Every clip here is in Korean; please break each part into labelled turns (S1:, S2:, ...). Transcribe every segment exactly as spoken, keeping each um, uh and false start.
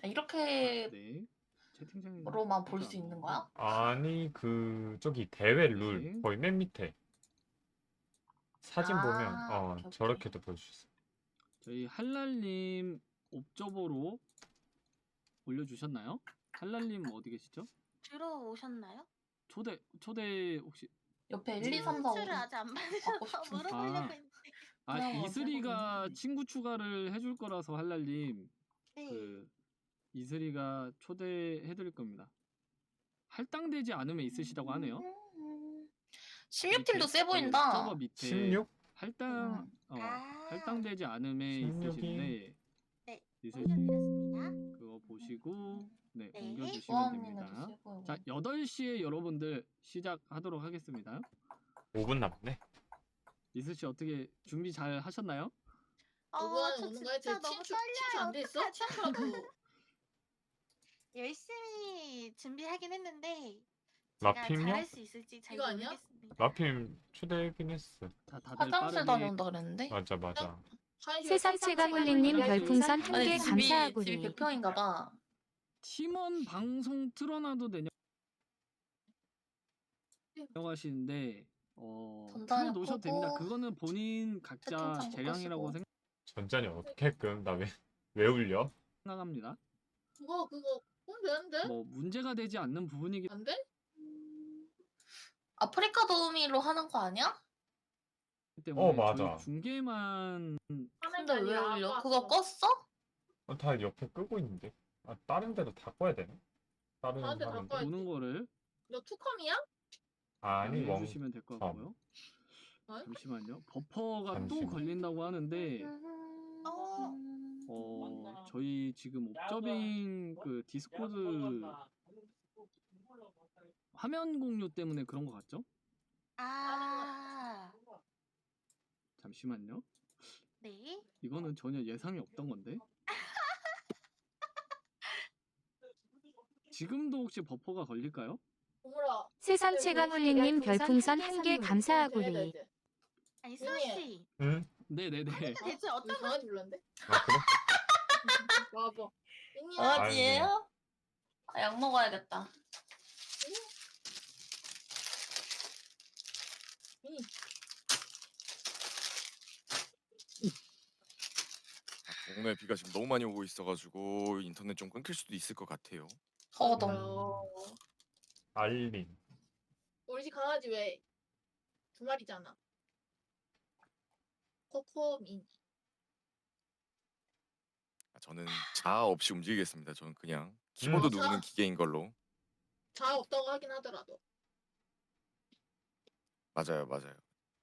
S1: 이렇게
S2: 네. 채팅창에
S1: 로만 볼 수 있는 거야?
S3: 아니 그 저기 대회 룰
S2: 네.
S3: 거의 맨 밑에 사진 보면
S1: 아,
S3: 어
S1: 오케이, 오케이.
S3: 저렇게도 볼 수 있어.
S2: 저희 할랄님 옵저버로 올려주셨나요? 할랄님 어디 계시죠?
S4: 들어오셨나요?
S2: 초대 초대 혹시
S1: 옆에 일, 이, 삼, 사, 오
S4: 친추를 아직 안
S1: 받고
S4: 받으셔서
S1: 싶은데.
S4: 물어보려고
S2: 아.
S4: 했는데.
S2: 아
S1: 그냥 뭐
S2: 이슬이가
S1: 해보긴
S2: 친구 추가를 해줄 거라서 할랄님
S4: 네.
S2: 그 이슬이가 초대해드릴 겁니다. 할당되지 않으면 있으시다고 하네요.
S1: 십육 팀도
S2: 밑에,
S1: 세
S2: 저희
S1: 보인다.
S2: 옵저버 밑에
S3: 십육?
S2: 할당
S1: 음.
S2: 어
S4: 아.
S2: 할당되지 않음에
S3: 십육이.
S2: 있으신데
S4: 네.
S2: 이슬
S4: 옮겨드렸습니다.
S2: 그거 보시고 네,
S4: 네.
S2: 옮겨주시면
S1: 조아 언니네도
S2: 됩니다.
S1: 세 보여.
S2: 자 여덟 시에 여러분들 시작하도록 하겠습니다.
S3: 오 분 남았네.
S2: 이슬씨 어떻게 준비 잘 하셨나요?
S4: 어,
S5: 누구나
S4: 저
S5: 오는 거야?
S4: 진짜
S5: 제
S4: 너무
S5: 친추
S4: 떨려요.
S5: 친추 안 돼 있어?
S4: 어떡하죠?
S5: 친추라도
S4: 열심히 준비하긴 했는데 제가
S3: 라핌요?
S4: 잘할 수 있을지 잘
S5: 이거 아니야?
S4: 모르겠습니다.
S3: 라핌 초대하긴 했어.
S2: 자 다들
S1: 화장실
S2: 빠르게
S1: 다녀온다 그랬는데?
S3: 맞아 맞아.
S6: 세상체감울림님 별풍선 한
S1: 아니
S6: 개
S1: 집이 집이
S6: 감사하구리.
S1: 백 평인가 봐.
S2: 팀원 방송 틀어놔도 되냐 하시는데 어
S1: 전자녀
S2: 틀어놓으셔도 됩니다.
S1: 끄고
S2: 그거는 본인 각자
S1: 채팅창
S2: 재량이라고
S1: 끄시고.
S3: 전자녀 어떻게끔 나 왜 왜 울려?
S2: 생각합니다.
S5: 그거 그거 그럼 되는데?
S2: 뭐 문제가 되지 않는 부분이기
S5: 안 돼?
S1: 아프리카 도우미로 하는 거 아니야?
S2: 때문에
S3: 어, 맞아.
S2: 저희 중계만
S1: 근데 왜 울려? 그거 껐어?
S3: 어, 다 옆에 끄고 있는데. 아 다른 데도 다 꺼야 되나? 다른
S5: 다른 데다
S3: 화면도?
S5: 꺼야 돼.
S2: 보는 거를
S5: 너 투컴이야?
S3: 아니 멍.
S2: 해주시면 될 것
S3: 어.
S2: 같고요.
S5: 어?
S2: 잠시만요. 버퍼가 또
S3: 잠시만.
S2: 걸린다고 하는데
S4: 어.
S2: 어 저희 지금 옵저빙 그 디스코드 화면 공유 때문에 그런 것 같죠?
S4: 아.
S2: 잠시만요.
S4: 네.
S2: 이거는 전혀 예상이 없던 건데. 지금도 혹시 버퍼가 걸릴까요?
S5: 어머라.
S6: 세상체감울림님 별풍선 한 개
S5: 되겠다,
S6: 감사하구리.
S5: 이제.
S4: 아니
S5: 윤희.
S4: 수호씨.
S3: 응?
S2: 네네네.
S4: 대체
S5: 우리
S4: 어떤
S5: 강아지 불렀는데?
S3: 아 그래?
S5: 와봐. 윤희야.
S1: 강아지예요? 아, 약 먹어야겠다.
S5: 윤희.
S7: 동네 비가 지금 너무 많이 오고 있어가지고 인터넷 좀 끊길 수도 있을 것 같아요.
S1: 더더.
S5: 어.
S3: 알림.
S5: 우리 집 강아지 왜 두 마리잖아. 코코 미니.
S7: 아, 저는 자아 없이 움직이겠습니다. 저는 그냥 키보드
S5: 음.
S7: 누르는 기계인 걸로.
S5: 자아 없다고 하긴 하더라도.
S7: 맞아요, 맞아요.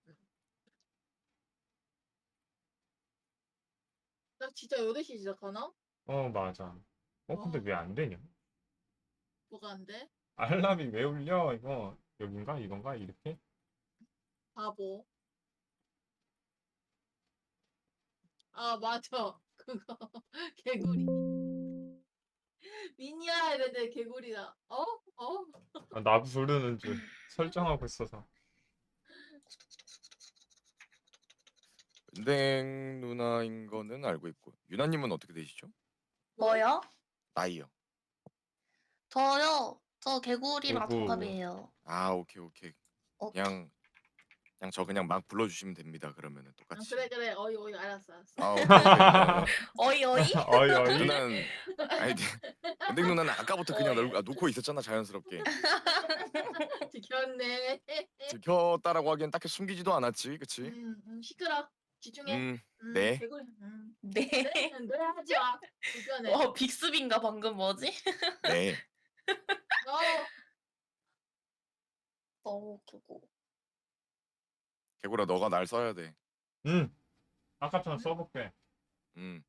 S5: 나 진짜 여덟 시 시작하나?
S3: 어 맞아. 어 근데
S5: 어.
S3: 왜 안 되냐?
S5: 뭐가 안 돼?
S3: 알람이 왜 울려? 이거 여긴가 이건가 이렇게?
S5: 바보. 아 맞아. 그거 개구리. 미니야 이랬는데 개구리다. 어? 어?
S3: 아, 나 부르는 줄 설정하고 있어서.
S7: 은댕 누나인 거는 알고 있고 유나님은 어떻게 되시죠?
S1: 뭐요?
S7: 나이요.
S1: 저요. 저 개구리랑
S3: 오구.
S1: 동갑이에요.
S7: 아 오케이 오케이.
S1: 어,
S7: 그냥 그냥 저 그냥 막 불러주시면 됩니다. 그러면은
S5: 아,
S7: 똑같이.
S5: 그래 그래 어이 어이 알았어 알았어.
S7: 아 오케이 오케이.
S1: 어이 어이?
S3: 어이 어이.
S7: 누나는 아니 은댕 누나는 아까부터 그냥 널, 아, 놓고 있었잖아 자연스럽게.
S5: 지켰네.
S7: 들켰다라고 하기엔 딱히 숨기지도 않았지, 그치?
S5: 음, 음 시끄러. 집중해.
S7: 음,
S5: 음,
S7: 네.
S5: 개구리. 음.
S1: 네.
S5: 네, 노래 하지 마. 불편해.
S1: 와 빅스비인가 방금 뭐지?
S7: 네.
S5: 어.
S1: 너무 웃기고.
S7: 개구라 너가 날 써야 돼.
S3: 응. 아까처럼 써볼게.
S7: 음.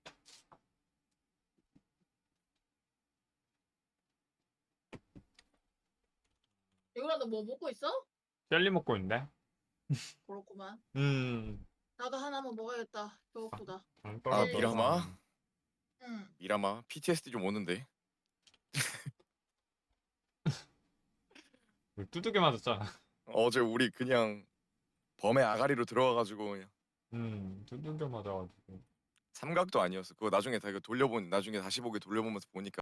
S5: 개구라 너 뭐 먹고 있어?
S3: 젤리 먹고 있네.
S5: 그렇구만.
S3: 음.
S5: 나도 하나만 먹어야겠다. 배고프다.
S3: 안
S7: 아
S3: 떨어져.
S7: 미라마?
S5: 응.
S7: 미라마? 피티에스디 좀 오는데.
S3: 두들겨 맞았잖아.
S7: 어제 우리 그냥 범의 아가리로 들어와가지고 그냥.
S3: 음. 두들겨 맞아가지고.
S7: 삼각도 아니었어. 그거 나중에 다 이거 돌려본 나중에 다시 보기 돌려보면서 보니까